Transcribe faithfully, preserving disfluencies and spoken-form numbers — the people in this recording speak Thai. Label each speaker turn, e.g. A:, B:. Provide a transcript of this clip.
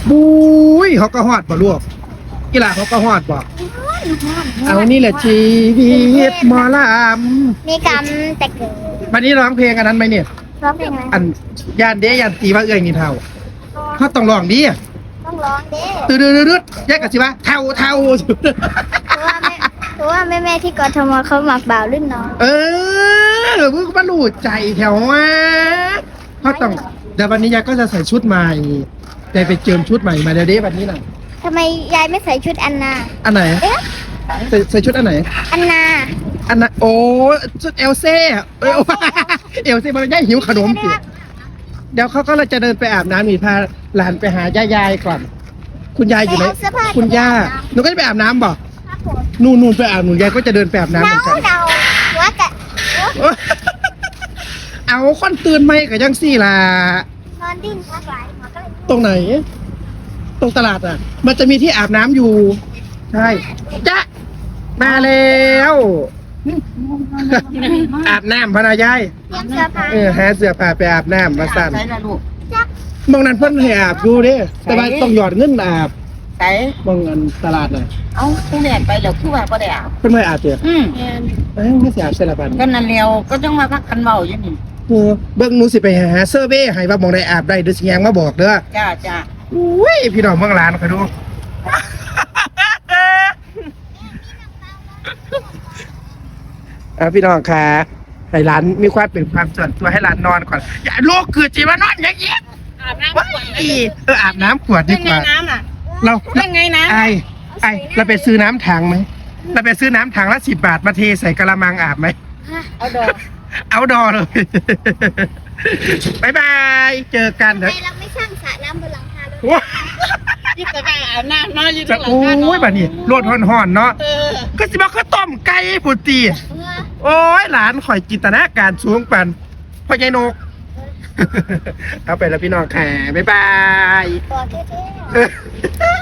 A: บุ้ยเขาก็ฮอดบ่ลูกกีฬาเขาก็ฮอดบ่เอานี่แหละชีวิตหมอลำ
B: มีกรรมแต่เกิด
A: วันนี้ร้องเพลงอันนั้นไหมเนี่ย
B: ร้องเพลงอะไร
A: อันยานเดยานตีว่าเอ้ยนี่เท่าเขาต้องร้องดีอ่ะ
B: ต้องร้องเด้
A: ตืดตืดตืดแยกกันสิวะเท่าเท่า
B: เพราะว่าแม่เพราะว่าแม่แม่ๆที่กทมเขาหมักบ่าวรุ่นน้อง
A: เออมึงก็มาหลูดใจแถวว่าเขาต้องเดี๋ยววันนี้ยายก็จะใส่ชุดใหม่ยายไปเจิมชุดใหม่มาเดี๋ยวเด้วันนี้น่ะ
B: ทำไมยายไม่ใส่ชุดอันนา
A: อันไหน
B: เอ๊ะ
A: ใส่ใส่ชุดอันไหน
B: อันนา
A: อันนั้นโอ้ชุดเอลเซ่เออเอลเซ่มันย่ายหิวขนมสิเดี๋ยวเขาก็เลยจะเดินไปอาบน้ำนี่พาหลานไปหายายยายก่อน คุณยายอยู่ไหนคุณย่าหนูก็จะไปอาบน้ำบ่
B: ครับผม
A: นู่นนู่นไปอาบหนูยายก็จะเดินไปอาบน้ำเหมื
B: เดา
A: อนกัน
B: เดาว่าจะ
A: เอาคนตื่นไหมกับยังสี่ล่ะ
B: นอนดิ้นพักหลายหัวก็เลย
A: ตรงไหน ตรงตลาดอ่ะ มันจะมีที่อาบน้ำอยู่ ใช่จ๊ะมาแล้วอาบน้ำพนายาย
B: เตรียมเสื้อผ้า
A: เออหาเสื้อผ้าไปอาบน้ำมาสั่น
C: ใส่ละลูก
B: จัก
A: มองนั้นเพิ่นให้อาบอยู่เด้แต่ว่าต้องหยอดเงินอาบ
C: ใส่
A: มองอันตลาดน่ะ
C: เอ้าผู้แม่ไปแล้วคือว่าบ่ได้อาบ
A: เพิ่นไม่อาบเด้อ
C: อืม
A: เอ้ยไม่สิอาบใส่ละบัน
C: ก็นั่นแล้วก็ต้องมาพักกันเว้าอยู่นี่
A: เออเบิ่งหนูสิไปหาเซอร์เวย์ให้ว่าหมองใดอาบได้เด้อสิแยงมาบอกเด้อ
C: จ้าจ้า
A: อุ้ยพี่น้องเมืองหลานคอยดู อ่ะพี่น้องค่ะให้หลานมีความเป็นความส่วนตัวให้หลานนอนก่อน อย่าลูกคือจีว่านอนอย่างนี้
C: อาบน้ำ
A: ว้ายเอออาบน้ำขวดดีกว่า
C: น้ำอ่ะ
A: เรา
C: เป็นไงน้ำ
A: ไอไอเราไปซื้อน้ำถังไหมเราไปซื้อน้ำถังละสิบบาทมาเทใส่กระมังอาบไหม
C: เอาดอก
A: เอาดอเลยบายบายเจอกัน
B: ทำ
A: เถ
B: ไม
A: อะ
B: เราไม่สร้างสระน้ำบนหลังคารถ
A: ว้า
C: ยิ่งแต่ว่าอาบน้ำเนาะยิ่ง
A: จะ
C: หลังคา
A: โอ้ยแบบนี้รดห่อนๆเนาะ
C: เออ
A: ก็สิบอกเขาต้มไก่ปุตี
B: เออ
A: โอ้ยหลานข่อยจินตนาการสูงปันพ่อใหญ่นก เอาไปแล้วพี่น้องแข่บ๊ายบาย
B: ตัวเท่ๆ